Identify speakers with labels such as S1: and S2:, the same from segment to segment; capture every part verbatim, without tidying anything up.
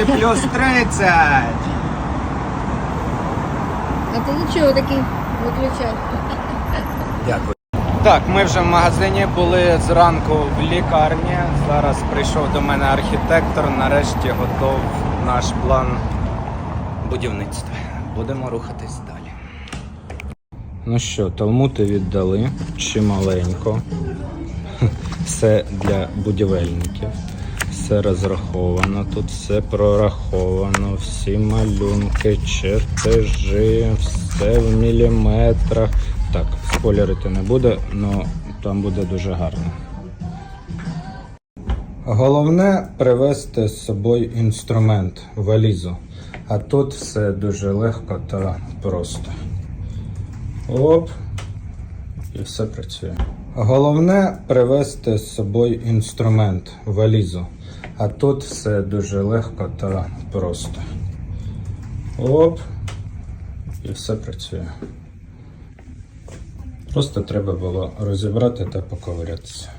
S1: плюс тридцять.
S2: А ти нічого такий виключай.
S1: Дякую. Так, ми вже в магазині були зранку в лікарні. Зараз прийшов до мене архітектор. Нарешті готов наш план будівництва. Будемо рухатись далі. Ну що, талмути віддали чималенько. Все для будівельників. Все розраховано, тут все прораховано, всі малюнки, чертежі, все в міліметрах. Так, спойлерити не буде, але там буде дуже гарно. Головне привезти з собою інструмент, валізу. А тут все дуже легко та просто. Оп, і все працює. Головне привезти з собою інструмент, валізу. А тут все дуже легко та просто. Оп, і все працює. Просто треба було розібрати та поковирятися.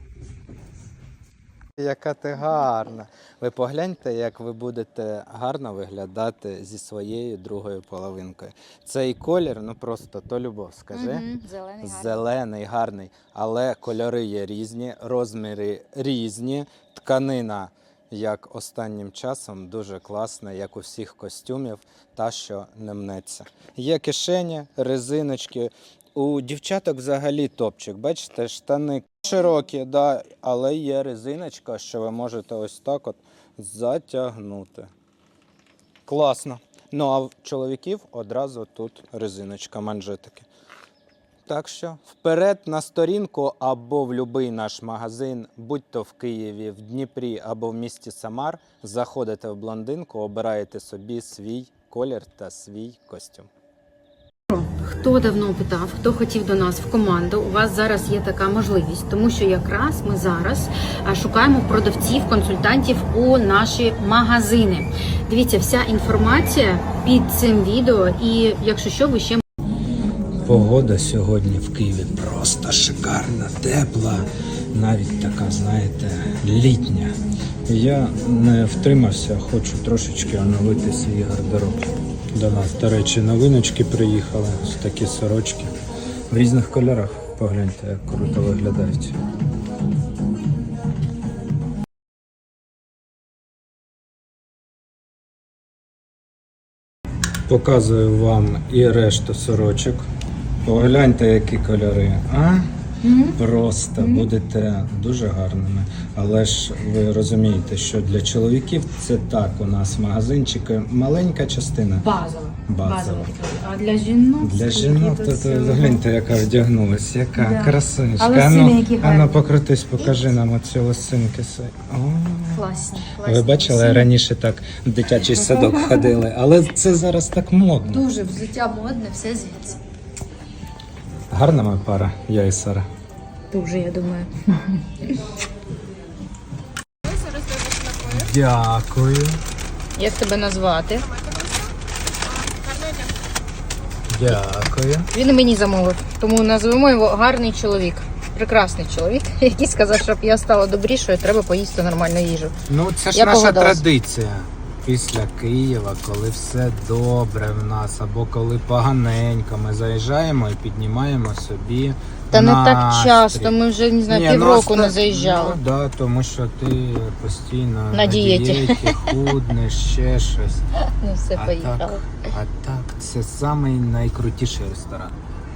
S1: Яка ти гарна. Ви погляньте, як ви будете гарно виглядати зі своєю другою половинкою. Цей колір, ну просто то любов, скажи.
S2: Угу. Зелений, гарний.
S1: Зелений, гарний. Але кольори є різні, розміри різні. Тканина, як останнім часом, дуже класна, як у всіх костюмів, та, що не мнеться. Є кишені, резиночки. У дівчаток взагалі топчик. Бачите, штани широкі, да, але є резиночка, що ви можете ось так от затягнути. Класно. Ну, а в чоловіків одразу тут резиночка, манжетики. Так що вперед на сторінку або в будь-який наш магазин, будь-то в Києві, в Дніпрі або в місті Самар, заходите в блондинку, обираєте собі свій колір та свій костюм.
S2: Хто давно питав, хто хотів до нас в команду, у вас зараз є така можливість, тому що якраз ми зараз шукаємо продавців, консультантів у наші магазини. Дивіться, вся інформація під цим відео, і якщо що, ви ще...
S1: Погода сьогодні в Києві просто шикарна, тепла, навіть така, знаєте, літня. Я не втримався, хочу трошечки оновити свій гардероб. До нас, до речі, новиночки приїхали, ось такі сорочки. В різних кольорах, погляньте, як круто виглядають. Показую вам і решту сорочок. Погляньте, які кольори, а? Mm-hmm. Просто mm-hmm. будете дуже гарними. Але ж ви розумієте, що для чоловіків це так, у нас магазинчики, маленька частина.
S2: Базова.
S1: Базова.
S2: А для жінок?
S1: Для жінок, то, то гляньте, яка вдягнулась, яка
S2: да.
S1: красунечка.
S2: А
S1: ну, ну покрутись, покажи нам оці лосинки.
S2: Класні, класні.
S1: Ви бачили, лосини? Раніше так в дитячий садок ходили, але це зараз так модно.
S2: Дуже взуття модне, все звідси.
S1: Гарна моя пара, я і Сара.
S2: Дуже, я думаю.
S1: Дякую.
S2: Як тебе назвати?
S1: Дякую.
S2: Він мені замовив, тому назвемо його гарний чоловік. Прекрасний чоловік, який сказав, щоб я стала добрішою, треба поїсти нормальну їжу.
S1: Ну це ж
S2: я
S1: наша
S2: погодилась.
S1: Традиція. Після Києва, коли все добре в нас, або коли поганенько, ми заїжджаємо і піднімаємо собі
S2: Та
S1: настрій.
S2: не так часто, ми вже, не знаю,
S1: Ні,
S2: півроку
S1: ну,
S2: не заїжджали.
S1: Ну, да, тому що ти постійно
S2: На
S1: на
S2: дієті.
S1: дієті, худнеш, ще щось.
S2: Ну все,
S1: А
S2: поїхали.
S1: так, а так, це самий найкрутіший ресторан.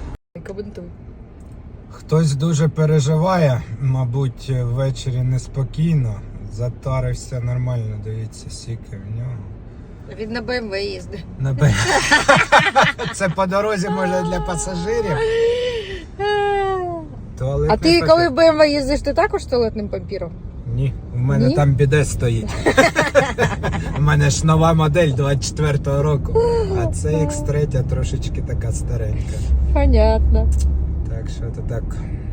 S1: Хтось дуже переживає, мабуть, ввечері неспокійно. Затарився нормально, дивіться, сіки в нього.
S2: Він на БМВ їздить.
S1: На Б... Це по дорозі, може, для пасажирів. Туалетний
S2: А ти
S1: папір.
S2: коли в БМВ їздиш, ти також туалетним папіром?
S1: Ні, у мене
S2: Ні?
S1: там біде стоїть. У мене ж нова модель двадцять четвертого року, а це ікс три трошечки така старенька.
S2: Понятно.
S1: Так що то так.